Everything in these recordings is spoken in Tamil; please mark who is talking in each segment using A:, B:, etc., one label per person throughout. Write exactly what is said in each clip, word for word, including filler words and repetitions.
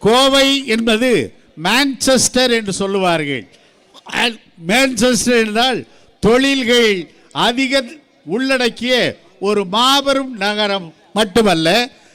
A: கோவை என்பது மான்செஸ்டர் என்று சொல்லுவார்கள். மான்செஸ்டர் என்றால் தொழில்கள் அதிக உள்ளடக்கிய ஒரு மாபெரும் நகரம் மட்டுமல்ல,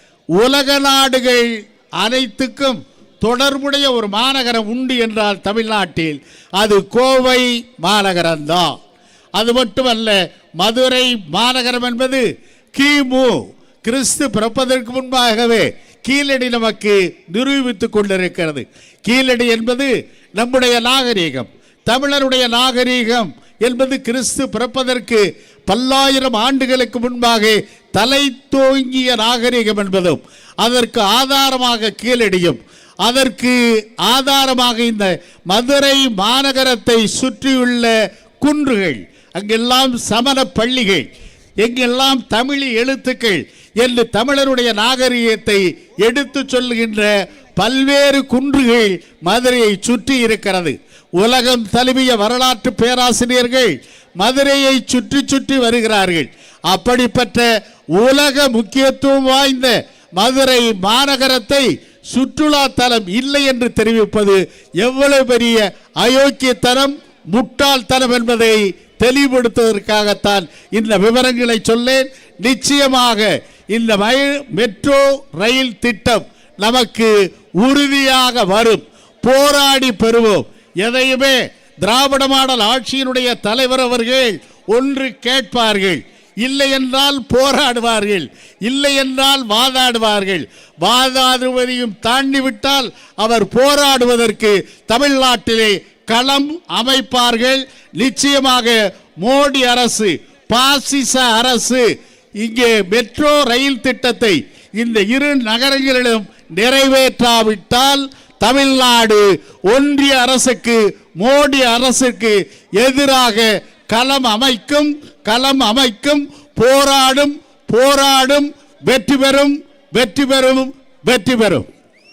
A: உலக நாடுகள் அனைத்துக்கும் தொடர்புடைய ஒரு மாநகரம் உண்டு என்றால் தமிழ்நாட்டில் அது கோவை மாநகரம்தான். அது மட்டுமல்ல, மதுரை மாநகரம் என்பது கிமு கிறிஸ்து பிறப்பதற்கு முன்பாகவே கீழடி நமக்கு நிரூபித்துக் கொண்டிருக்கிறது. கீழடி என்பது நம்முடைய நாகரீகம், தமிழருடைய நாகரீகம் என்பது கிறிஸ்து பிறப்பதற்கு பல்லாயிரம் ஆண்டுகளுக்கு முன்பாக தலை தோங்கிய நாகரீகம் என்பதும் அதற்கு ஆதாரமாக கீழடியும், அதற்கு ஆதாரமாக இந்த மதுரை மாநகரத்தை சுற்றியுள்ள குன்றுகள், அங்கெல்லாம் சமண பள்ளிகள், எங்கெல்லாம் தமிழ் எழுத்துக்கள் என்று தமிழருடைய நாகரிகத்தை எடுத்து சொல்லுகின்ற பல்வேறு குன்றுகள் மதுரையை சுற்றி இருக்கிறது. உலகம் தழுவிய வரலாற்று பேராசிரியர்கள் மதுரையை சுற்றி சுற்றி வருகிறார்கள். அப்படிப்பட்ட உலக முக்கியத்துவம் வாய்ந்த மதுரை மாநகரத்தை சுற்றுலா தலம் இல்லை என்று தெரிவிப்பது எவ்வளவு பெரிய அயோக்கியத்தனம், முட்டாள்தனம் என்பதை தெளிவுபடுத்துவதற்காகத்தான் இந்த விவரங்களை சொல்லேன். நிச்சயமாக இந்த மெட்ரோ ரயில் திட்டம் நமக்கு உறுதியாக வரும், போராடி பெறுவோம். எதையுமே திராவிட மாடல் ஆட்சியினுடைய தலைவர் அவர்கள் ஒன்று கேட்பார்கள், இல்லை என்றால் போராடுவார்கள், இல்லை என்றால் வாதாடுவார்கள். வாதாடுவதையும் தாண்டி விட்டால் அவர் போராடுவதற்கு தமிழ்நாட்டிலே களம் அமைப்பார்கள். நிச்சயமாக மோடி அரசு, பாசிச அரசு இங்கே மெட்ரோ ரயில் திட்டத்தை இந்த இரு நகரங்களிலும் நிறைவேற்றாவிட்டால் தமிழ்நாடு ஒன்றிய அரசுக்கு, மோடி அரசுக்கு எதிராக களம் அமைக்கும், களம் அமைக்கும், போராடும், போராடும், வெற்றி பெறும், வெற்றி பெறும், வெற்றி பெறும்.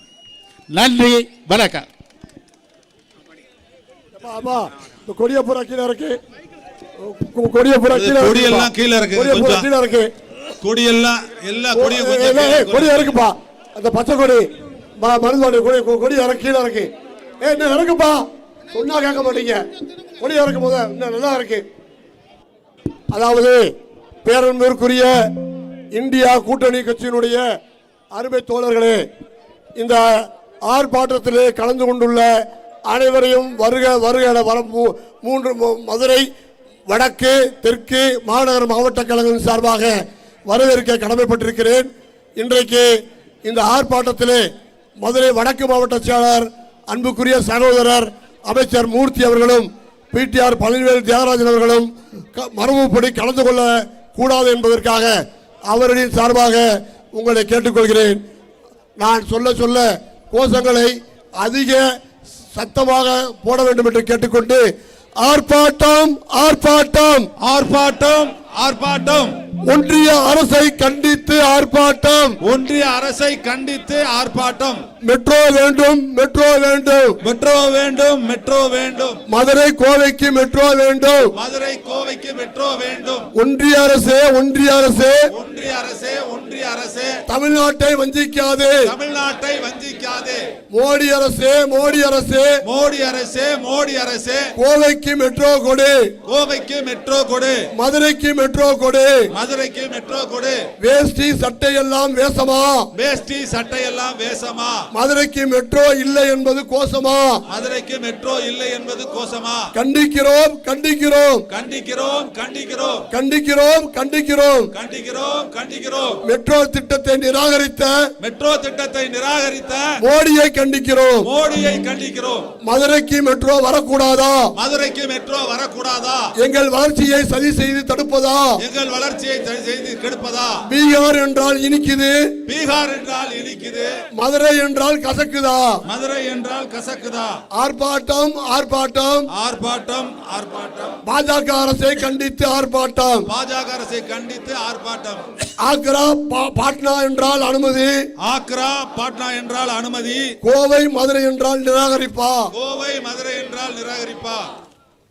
A: நன்றி, வணக்கம்.
B: கொடியப்புற கீழே இருக்கு, கொடியப்புற கொடியெல்லாம் கீழே இருக்கு, கீழே இருக்கு கொடியெல்லாம், எல்லா கொடியும் கொடி இருக்குப்பா. அந்த பச்சை கொடி மருந்து கொடி கொடி இறக்கு கீழே இருக்கு. ஏ என்ன இறக்குப்பா, சொன்னா கேட்க மாட்டீங்க. கொடி இறக்கும் போது இன்னும் நல்லா இருக்கு. அதாவது பேரன்பிற்குரிய இந்தியா கூட்டணி கட்சியினுடைய அருமை தோழர்களே, இந்த ஆர்ப்பாட்டத்திலே கலந்து கொண்டுள்ள அனைவரையும் வருக வருக என வர மூன்று மதுரை வடக்கு தெற்கு மாநகர மாவட்ட கழகம் சார்பாக வரவேற்க கடமைப்பட்டிருக்கிறேன். இன்றைக்கு இந்த ஆர்ப்பாட்டத்திலே மதுரை வடக்கு மாவட்ட செயலாளர் அன்புக்குரிய சகோதரர் அமைச்சர் மூர்த்தி அவர்களும் பிடிஆர் பழனிவேல் தியாகராஜன் அவர்களும் மரபுப்படி கலந்து கொள்ள கூடாது என்பதற்காக அவர்களின் சார்பாக உங்களை கேட்டுக்கொள்கிறேன். நான் சொல்ல சொல்ல கோஷங்களை அதிக சத்தமாக போட வேண்டும் என்று கேட்டுக்கொண்டு ஆர்ப்பாட்டம் ஆர்ப்பாட்டம் ஆர்ப்பாட்டம் ஆர்ப்பாட்டம் ஒன்றிய அரசை கண்டித்து ஆர்ப்பாட்டம் ஒன்றிய அரசை கண்டித்து ஆர்ப்பாட்டம் மெட்ரோ வேண்டும் மெட்ரோ வேண்டும் மெட்ரோ வேண்டும் மெட்ரோ வேண்டும் மதுரை கோவைக்கு மெட்ரோ வேண்டும் மதுரை கோவைக்கு மெட்ரோ வேண்டும் ஒன்றிய அரசே ஒன்றிய அரசே ஒன்றிய அரசே ஒன்றிய அரசே தமிழ்நாட்டை வஞ்சிக்காதே தமிழ்நாட்டை வஞ்சிக்காதே மோடி அரசே மோடி அரசே மோடி அரசே மோடி அரசே கோவைக்கு மெட்ரோ கொடு கோவைக்கு மெட்ரோ கொடு மதுரைக்கு மெட்ரோ கொடு மதுரைக்கு மெட்ரோ கொடு வேஷ்டி சட்டை எல்லாம் வேஷமா வேஷ்டி சட்டை எல்லாம் வேஷமா மதுரைக்கு மெட்ரோ இல்லை என்பது கோசமா மதுரைக்கு மெட்ரோ இல்லை என்பது கோசமா கண்டிக்கிறோம் கண்டிக்கிறோம் கண்டிக்கிறோம் கண்டிக்கிறோம் கண்டிக்கிறோம் கண்டிக்கிறோம் கண்டிக்கிறோம் கண்டிக்கிறோம் மெட்ரோ திட்டத்தை நிராகரித்த மெட்ரோ திட்டத்தை நிராகரித்த மோடியை கண்டிக்கிறோம் மோடியை கண்டிக்கிறோம் மதுரைக்கு மெட்ரோ வரக்கூடாதா மதுரைக்கு மெட்ரோ வரக்கூடாதா எங்கள் வளர்ச்சியை சதி செய்து தடுப்பதா எங்கள் வளர்ச்சியை சதி செய்து கெடுப்பதா பீகார் என்றால் இனிக்குது பீகார் என்றால் இனிக்குது மதுரை என்றால் கசக்குதா மதுரை என்றால் கசக்குதா ஆர்ப்பாட்டம் ஆர்ப்பாட்டம் ஆர்ப்பாட்டம் ஆர்ப்பாட்டம் பாஜக அரசை கண்டித்து ஆர்ப்பாட்டம் பாஜக அரசை கண்டித்து ஆர்ப்பாட்டம் ஆக்ரா பாட்னா என்றால் அனுமதி ஆக்ரா பாட்னா என்றால் அனுமதி கோவை மதுரை என்றால் நிராகரிப்பா கோவை மதுரை என்றால் நிராகரிப்பா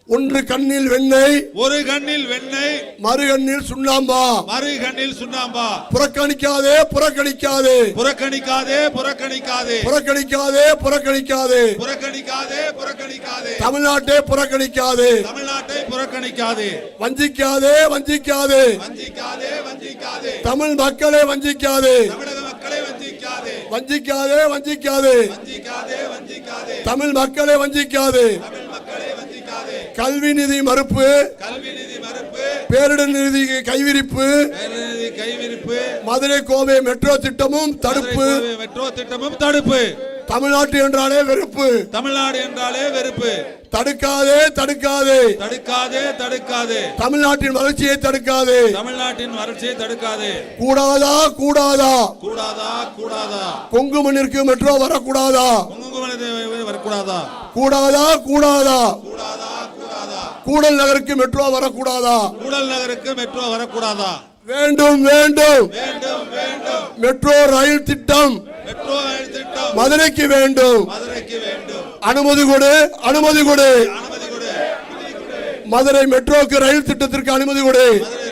B: ஒன்று கண்ணில் வெண்ணெய்
C: ஒரு கண்ணில் வெண்ணெய்
B: மறு கண்ணில் சுண்ணாம்பா
C: மறு கண்ணில் சுண்ணாம்பா
B: புறக்கணிக்காதே புறக்கணிக்காதே
C: புறக்கணிக்காதே புறக்கணிக்காதே
B: புறக்கணிக்காதே புறக்கணிக்காதே
C: புறக்கணிக்காதே புறக்கணிக்காதே
B: தமிழ்நாட்டை புறக்கணிக்காதே
C: தமிழ்நாட்டை புறக்கணிக்காதே
B: வஞ்சிக்காதே வஞ்சிக்காதே
C: வஞ்சிக்காதே வஞ்சிக்காதே
B: தமிழ் மக்களை வஞ்சிக்காதே
C: தமிழக மக்களை வஞ்சிக்காதே
B: வஞ்சிக்காதே வஞ்சிக்காதே
C: வஞ்சிக்காதே வஞ்சிக்காதே
B: தமிழ் மக்களை வஞ்சிக்காதே
C: தமிழ் மக்களை வஞ்சிக்காதே
B: கல்வி நிதி மறுப்பு
C: கல்வி நிதி மறுப்பு
B: பேரிடர் நிதி கைவிரிப்பு
C: நிதி கைவிரிப்பு
B: மதுரை கோவை மெட்ரோ திட்டமும் தடுப்பு
C: மெட்ரோ திட்டமும் தடுப்பு
B: தமிழ்நாட்டு என்றாலே வெறுப்பு
C: தமிழ்நாடு என்றாலே வெறுப்பு
B: தடுக்காதே தடுக்காதே
C: தடுக்காதே தடுக்காதே
B: தமிழ்நாட்டின் வளர்ச்சியை தடுக்காதே
C: தமிழ்நாட்டின் வறட்சியை தடுக்காதே
B: கூடாதா கூடாதா
C: கூடாதா கூடாதா
B: கொங்கு மண்ணிற்கு மெட்ரோ வரக்கூடாதா
C: கொங்கு வரக்கூடாதா
B: கூடாதா கூடாதா
C: கூடாதா கூடாதா
B: கூடல் நகருக்கு மெட்ரோ வரக்கூடாதா
C: கூடல் நகருக்கு மெட்ரோ வரக்கூடாதா
B: வேண்டும் வேண்டும்
C: வேண்டும் வேண்டும்
B: மெட்ரோ ரயில் திட்டம்
C: மெட்ரோ ரயில் திட்டம்
B: மதுரைக்கு வேண்டும்
C: மதுரைக்கு வேண்டும்
B: அனுமதி கொடு அனுமதி கொடு
C: அனுமதி கொடு
B: மதுரை மெட்ரோக்கு ரயில் திட்டத்திற்கு அனுமதி கொடு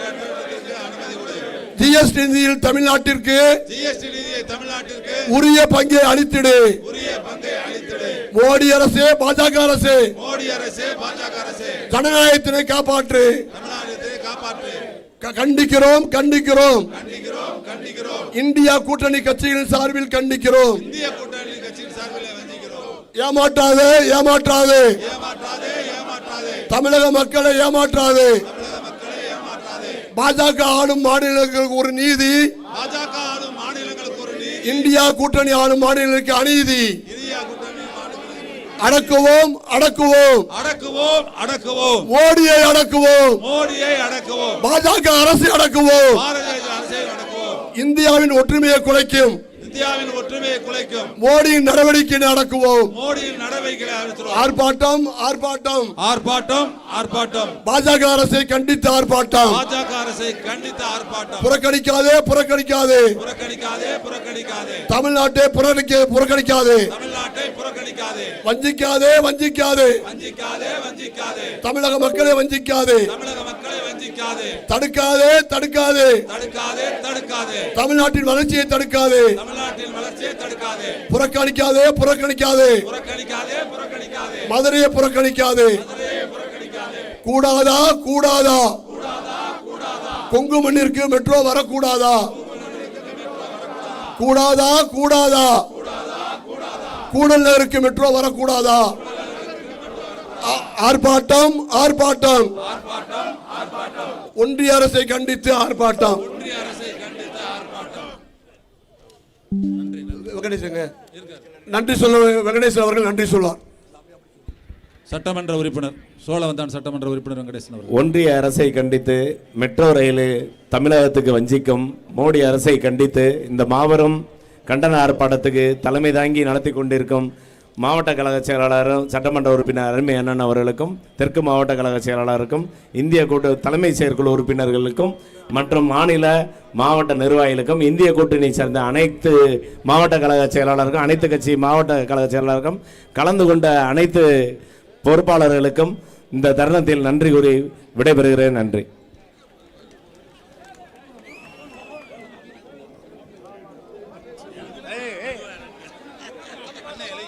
B: ஜிஎஸ்டி நிதியில் தமிழ்நாட்டிற்கு
C: ஜிஎஸ்டி நிதியை தமிழ்நாட்டிற்கு
B: உரிய பங்கை அளித்திடு
C: உரிய பங்கை அளித்திடு
B: மோடி அரசே பாஜக அரசே
C: மோடி அரசே பாஜக அரசே
B: ஜனநாயகத்தினை காப்பாற்று
C: தமிழ்நாட்டை காப்பாற்று
B: கண்டிக்கிறோம் கண்டிக்கிறோம்
C: கண்டிக்கிறோம் கண்டிக்கிறோம்
B: இந்தியா கூட்டணி கட்சிகளின் சார்பில் கண்டிக்கிறோம்
C: இந்திய கூட்டணி கட்சியின் சார்பில் வஞ்சிக்கிறோம்
B: ஏமாற்றாதே ஏமாற்றாதே
C: ஏமாற்றாதே ஏமாற்றாதே
B: தமிழக மக்களை ஏமாற்றாதே
C: தமிழக மக்களை ஏமாற்றாதே
B: பாஜக ஆளும் மாநிலங்களுக்கு ஒரு நீதி
C: பாஜக ஆளும் மாநிலங்களுக்கு ஒரு நீதி
B: இந்தியா கூட்டணி ஆளும் மாநிலங்களுக்கு அநீதி
C: இந்தியா கூட்டணி
B: அடக்குவோம் அடக்குவோம்
C: அடக்குவோம் அடக்குவோம்
B: மோடியை அடக்குவோம்
C: மோடியை அடக்குவோம்
B: பாஜக அரசை அடக்குவோம்
C: பாரதிய அரசை அடக்குவோம்
B: இந்தியாவின் ஒற்றுமையை குலைக்கும்
C: இந்தியாவின் ஒற்றுமையை குலைக்கும்
B: மோடியின் நடவடிக்கை அடக்குவோம்
C: மோடியின் நடவடிக்கைகளை அழுத்துவோம்
B: ஆர்ப்பாட்டம் ஆர்ப்பாட்டம்
C: ஆர்ப்பாட்டம் ஆர்ப்பாட்டம்
B: பாஜக அரசை கண்டித்து ஆர்ப்பாட்டம்
C: பாஜக அரசை கண்டித்த ஆர்ப்பாட்டம்
B: புறக்கணிக்காதே புறக்கணிக்காதே
C: புறக்கணிக்காதே புறக்கணிக்காதே
B: தமிழ்நாட்டை புறக்கணிக்க புறக்கணிக்காதே
C: தமிழ்நாட்டை புறக்கணிக்காதே
B: வஞ்சிக்காதே வஞ்சிக்காதே
C: வஞ்சிக்காதே வஞ்சிக்காதே
B: தமிழக மக்களை வஞ்சிக்காதே
C: தமிழக மக்களை வஞ்சிக்காதே
B: தடுக்காதே தடுக்காதே
C: தடுக்காதே தடுக்காதே
B: தமிழ்நாட்டின் வளர்ச்சியை தடுக்காதே
C: தமிழ்நாட்டின் வளர்ச்சியை தடுக்காதே
B: புறக்கணிக்காதே புறக்கணிக்காதே
C: புறக்கணிக்காதே புறக்கணிக்காதே
B: மதுரையை புறக்கணிக்காதே கூடாதா கூடாதா கொங்கு மண்ணிற்கு மெட்ரோ வரக்கூடாதா கூடாதா கூடாதா கூடல் நகருக்கு மெட்ரோ வரக்கூடாதா ஆர்ப்பாட்டம் ஆர்ப்பாட்டம் ஒன்றிய அரசை கண்டித்து ஆர்ப்பாட்டம் வெங்கடேசங்க நன்றி சொல்ல வெங்கடேசன் அவர்கள் நன்றி சொல்வார்.
C: சட்டமன்ற உறுப்பினர் சோழவந்தான் சட்டமன்ற உறுப்பினர் வெங்கடேசன் அவர்கள்.
D: ஒன்றிய அரசை கண்டித்து மெட்ரோ ரயில் தமிழகத்துக்கு வஞ்சிக்கும் மோடி அரசை கண்டித்து இந்த மாபெரும் கண்டன ஆர்ப்பாட்டத்துக்கு தலைமை தாங்கி நடத்தி கொண்டிருக்கும் மாவட்ட கழக செயலாளரும் சட்டமன்ற உறுப்பினர் அருமை அண்ணன் அவர்களுக்கும் தெற்கு மாவட்ட கழக செயலாளருக்கும் இந்திய கூட்டு தலைமை செயற்குழு உறுப்பினர்களுக்கும் மற்றும் மாநில மாவட்ட நிர்வாகிகளுக்கும் இந்திய கூட்டணி சேர்ந்த அனைத்து மாவட்ட கழக செயலாளருக்கும் அனைத்து கட்சி மாவட்ட கழக செயலாளருக்கும் கலந்து கொண்ட அனைத்து பொறுப்பாளர்களுக்கும் இந்த தருணத்தில் நன்றி கூறி விடைபெறுகிறேன். நன்றி.